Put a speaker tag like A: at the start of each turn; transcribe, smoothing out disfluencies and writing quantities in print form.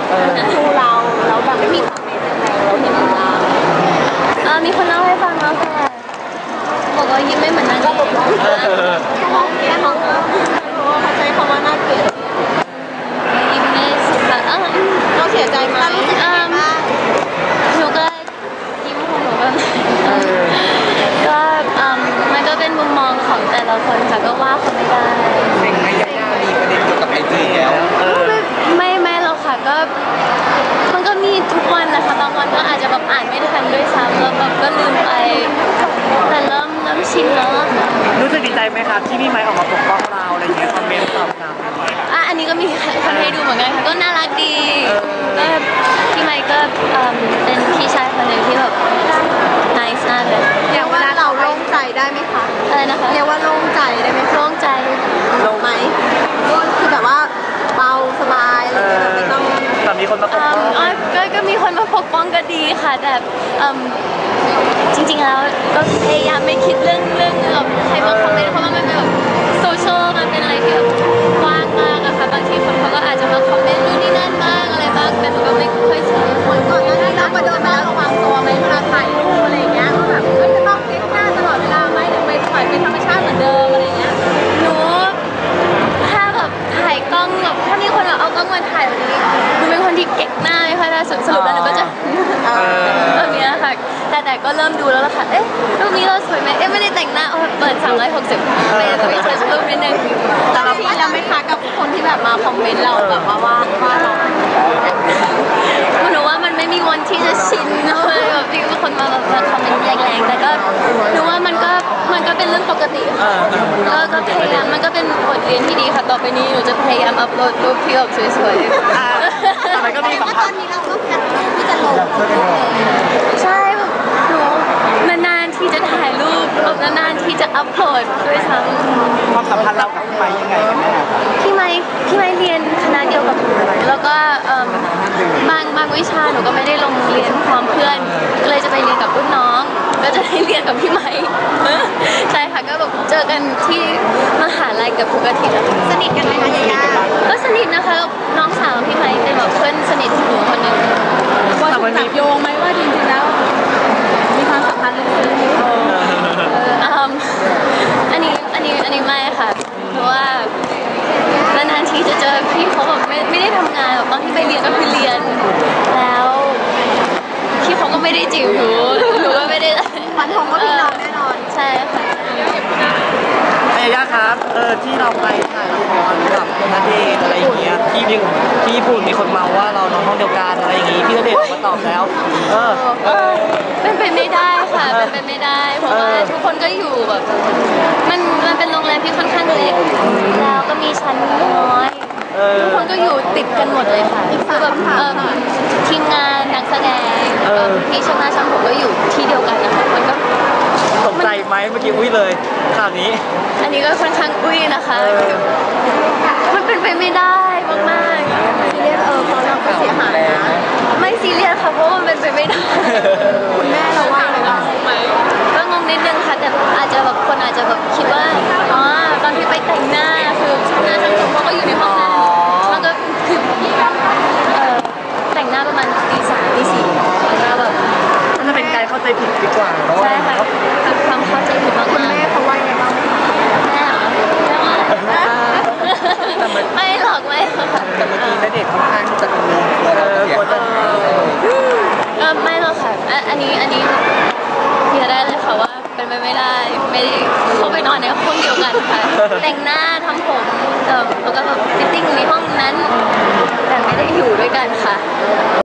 A: ดูเราแล้วแบบไม่มีคอมเมนต์อะไรเราเห็นเรา
B: มีคนเล่าให้ฟังแล้วค่ะบอกว่ายิ้มไม่เหมือนนางเอก
A: แค่น้องเขาใช้คำว่าน่าเกลียด
B: ยิ้มไม่สุดแบบ
A: เราเสียใจไหมรู้สึกยังไงบ้าง
B: หนูก็ยิ้มของหนูแบบก็มันก็เป็นมุมมองของแต่ละคนค่ะก็ว่าเขาไม่ได้
C: เซ็งไหมย่ามีประเด็นเกี่ยวกับไอจีแล้ว
B: ไม่หรอกค่ะก็มันก็มีทุกวันนะคะบางวันก็อาจจะแบบอ่านไม่ทันด้วยซ้ำแล้วแบบก็ลืมไปแต่เริ่มชินแล้วค่ะ
C: รู้สึกดีใจไหมครับที่พี่ไมค์ออกมาปกป้องเราอะไรอย่างเงี้ยคอมเมนต์ตอบกลับ
B: อันนี้ก็มีคนให้ดูเหมือนกันค่ะก็น่ารักดีก็พี่ไมค์ก็เป็นพี่ชายคนหนึ่งที่แบบ nice มากเลย
A: เรียกว่าเราโล่งใจได้ไหมคะ
B: อะไรนะคะ
A: เรียกว่าโล่งใจได้ไหม
B: โล่งใจ
A: โล่งไหมคือแบบว่าเบาสบายอะไรแบบไม่ต้อง
C: แต่มีคนมาปกป้อง
B: ก็มีคนมาปกป้องก็ดีค่ะแต่จริงๆแล้วก็พยายามไม่คิดเรื่องแบบใครมาคอมเมนต์เพราะว่ามันเป็นแบบโซเชียลมันเป็นอะไรที่แบบกว้างมากอะค่ะบางทีคนเขาก็อาจจะมาคอมเมนต์นู่นนี่นั่นบ้างอะไรบ้างแต่หนูก็ไม่ค่อยสน
A: คนก่อนหน้านี้เราก็โดนมาระวังตัวไหมเวลาถ่ายรูปอะไรอย่างเงี้ยว่าแบบจะต้องเช็คหน้าตลอดเวลาไหมหรือไปปล่อยเป็นธรรมชาติเหมือนเดิมอะไรเงี้ย
B: หนูถ้าแบบถ่ายกล้องแบบถ้ามีคนแบบเอากล้องมาถ่ายแบบนี้หนูเป็นคนที่เก็บหน้าไม่ค่อยได้สรุปแล้วหนูก็จะแบบนี้ค่ะแต่ก็เริ่มดูแล้วล่ะค่ะเอ๊ะรูปนี้เราสวยไหมไม่ได้แต่งหน้าเปิด360ไปเช็ครูปนิดนึง
A: เราชินแล้วไหมคะกับคนที่แบบมาคอมเมนต์เราแบบว่าเรา
B: หนูว่ามันไม่มีวันที่จะชินเลยแบบที่คนมาแบบคอมเมนต์แรงๆแต่ก็หนูว่ามันก็เป็นเรื่องปกติก็พยายามมันก็เป็นบทเรียนที่ดีค่ะต่อไปนี้หนูจะพยายามอัพโหลดรูปที่แบบสวย
C: ๆแต่มันก็มีสัมพันธ์
A: ตอนนี้เราก็แพลนที่จะลง
B: ใช่หนูนานๆที่จะถ่ายรูปนานๆที่จะอัพโหลดด้วยซ้
C: ำความสัมพันธ์เรากับพี่ไมค์ยังไงกันแน่
B: พี่ไมค์เรียนคณะเดียวกับหนูแล้วก็บางวิชาหนูก็ไม่ได้ลงเรียนพร้อมเพื่อนก็เลยจะไปเรียนกับรุ่นน้องก็จะได้เรียนกับพี่ไมค์ใช่ค่ะก็แบบเจอกันที่มหาลัยกับทุกอาทิตย์
A: สนิทกันไหมคะยา
B: ก็สนิทนะคะน้องสาวพี่ไมค์เป็นแบบเพื่อนสนิทหนูคนหนึ่ง
A: ว่าถูกจับโยงไหมว่าจริงๆแล้วมีความสัมพันธ์ลึกซึ้ง
B: อันนี้ไม่ค่ะเพราะว่านานๆทีจะเจอพี่เขาแบบไม่ได้ทำงานแบบตอนที่ไปเรียนก็คือเรียนแล้วพี่เขาก็ไม่ได้จีบหนูก็ไม่ได้
A: ฟันธงว่าพี่น้องแน่นอน
B: ใช่ค่ะ
C: ย่าครับที่เราไปถ่ายละครกับณเดชน์อะไรอย่างเงี้ยที่ญี่ปุ่นมีคนเมาว่าเรานอนห้องเดียวกันอะไรอย่างงี้พี่ณเดชน์มาตอบแล้ว
B: เป็นไปไม่ได้ค่ะเป็นไปไม่ได้เพราะว่าทุกคนก็อยู่แบบมันเป็นโรงแรมที่ค่อนข้างเล็กแล้วก็มีชั้นน้อยทุกคนก็อยู่ติดกันหมดเลยค่ะคือแบบทีมงานนักแสดงพี่ช่างหน้าช่างผมก็อยู่ที่เดียวกันนะคะมันก็
C: ตกใจไหมเมื่อกี้อุ้ยเลยข่าวนี้
B: อันนี้ก็ค่อนข้างอุ้ยนะคะมันเป็นไปไม่ได้มาก
A: ๆซีเรียสเพราะเราก็เสียหายนะ
B: ไม่ซีเรียสค่ะเพราะมันเป็นไปไม่ได้
A: คุณแม่เราว่าอะไรบ้างไหม
B: ก็งงนิดนึงค่ะแต่อาจจะแบบคนอาจจะแบบคิดว่าตอนที่ไปแต่งหน้าคือช่างหน้าช่างผมเขาก็อยู่ในห้องนั้นมันก็คือแต่งหน้าประมาณตี 3 ตี 4แล้วแบบ
C: มันจะเป็นการเข้าใจผิดดีกว่า
B: ใช่ค่ะความเข้าใจผิดมาก
A: คุณแม่เขาว่าไงบ้าง
B: แม่ไม่หรอกไม่
C: แต่เมื่อกี้ณเดชน์ค่อนข้างจะกังวลกลัวจะ
B: ไม่หรอกค่ะอันนี้เพียได้เลยค่ะว่าเป็นไปไม่ได้เขาไปนอนในห้องเดียวกันค่ะแต่งหน้าทำผมแล้วก็แบบฟิตติ้งในห้องนั้นแต่ไม่ได้อยู่ด้วยกันค่ะ